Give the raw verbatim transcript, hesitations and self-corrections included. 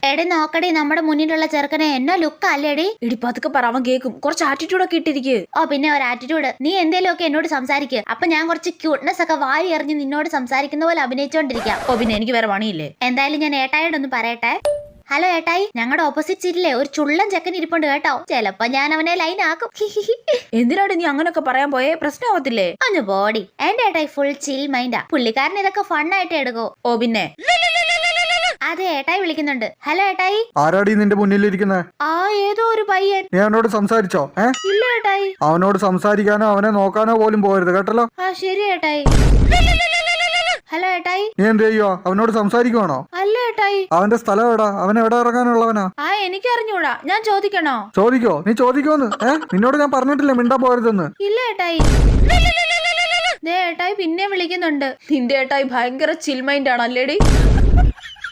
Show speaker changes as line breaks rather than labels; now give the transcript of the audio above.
എടി നോക്കടി, നമ്മുടെ മുന്നിലുള്ള ചെറുക്കനെ എന്നാ ലുക്ക് അല്ലേടി?
ഇടി പതുക്കെ പറ, അവൻ കേൾക്കും. കുറച്ച് ആറ്റിറ്റ്യൂഡ് ഒക്കെ ഇട്ടിരിക്കുക.
ഓ പിന്നെ ഒരു ആറ്റിറ്റ്യൂഡ്. നീ എന്തേലും ഒക്കെ എന്നോട് സംസാരിക്കുക. അപ്പൊ ഞാൻ കുറച്ച് ക്യൂട്ട്നെസ് ഒക്കെ വാരി എറിഞ്ഞ് നിന്നോട് സംസാരിക്കുന്ന പോലെ അഭിനയിച്ചോണ്ടിരിക്കാം.
ഓ പിന്നെ എനിക്ക് വേറെ പണിയില്ലേ?
എന്തായാലും ഞാൻ ഏട്ടായോടൊന്ന് പറയട്ടെ. ഹലോ ഏട്ടായി, ഞങ്ങളുടെ ഓപ്പോസിറ്റ് സീറ്റിലെ ഒരു ചുള്ളൻ ചെക്കൻ ഇരിപ്പുണ്ട് കേട്ടോ. ചിലപ്പോ ഞാൻ അവനെ ലൈൻ ആക്കും.
എന്തിനാണ് നീ അങ്ങനൊക്കെ പറയാൻ പോയേ? പ്രശ്നമാവത്തില്ലേ?
ഒന്ന് ബോഡി. എന്റെ ഏട്ടായി ഫുൾ ചിൽ മൈൻഡാ. പുള്ളിക്കാരൻ ഇതൊക്കെ ഫണ്ണായിട്ട് എടുക്കോ.
ഓ പിന്നെ
അതെ, ഏട്ടായി വിളിക്കുന്നുണ്ട്. ഹലോ ഏട്ടായി.
ആരാടി നിന്റെ മുന്നിലിരിക്കുന്നത്?
ആ ഏതോ ഒരു പയ്യൻ.
നീ അവനോട് സംസാരിച്ചോ? ഏ
ഇല്ല ഏട്ടായി.
അവനോട് സംസാരിക്കാനോ അവനെ നോക്കാനോ പോലും പോകരുത് കേട്ടല്ലോ.
ആ ശരി ഏട്ടായി. ഹലോ ഏട്ടായി.
നീ എന്ത് ചെയ്യുവോ? അവനോട് സംസാരിക്കുവാണോ?
അല്ല ഏട്ടായി.
അവന്റെ സ്ഥലം എവിടാ? അവൻ എവിടെ ഇറങ്ങാനുള്ളവനാ?
ആ എനിക്ക് അറിഞ്ഞൂടാ. ഞാൻ ചോദിക്കണോ?
ചോദിക്കോ? നീ ചോദിക്കോന്ന്. ഏ നിന്നോട് ഞാൻ പറഞ്ഞിട്ടില്ലേ മിണ്ടാ പോകരുതെന്ന്?
ഇല്ല ഏട്ടായി. ദേ ഏട്ടായി പിന്നെ വിളിക്കുന്നുണ്ട്.
നിന്റെ ഏട്ടായി ഭയങ്കര ചിൽ മൈൻഡ് ആണ് അല്ലേടി?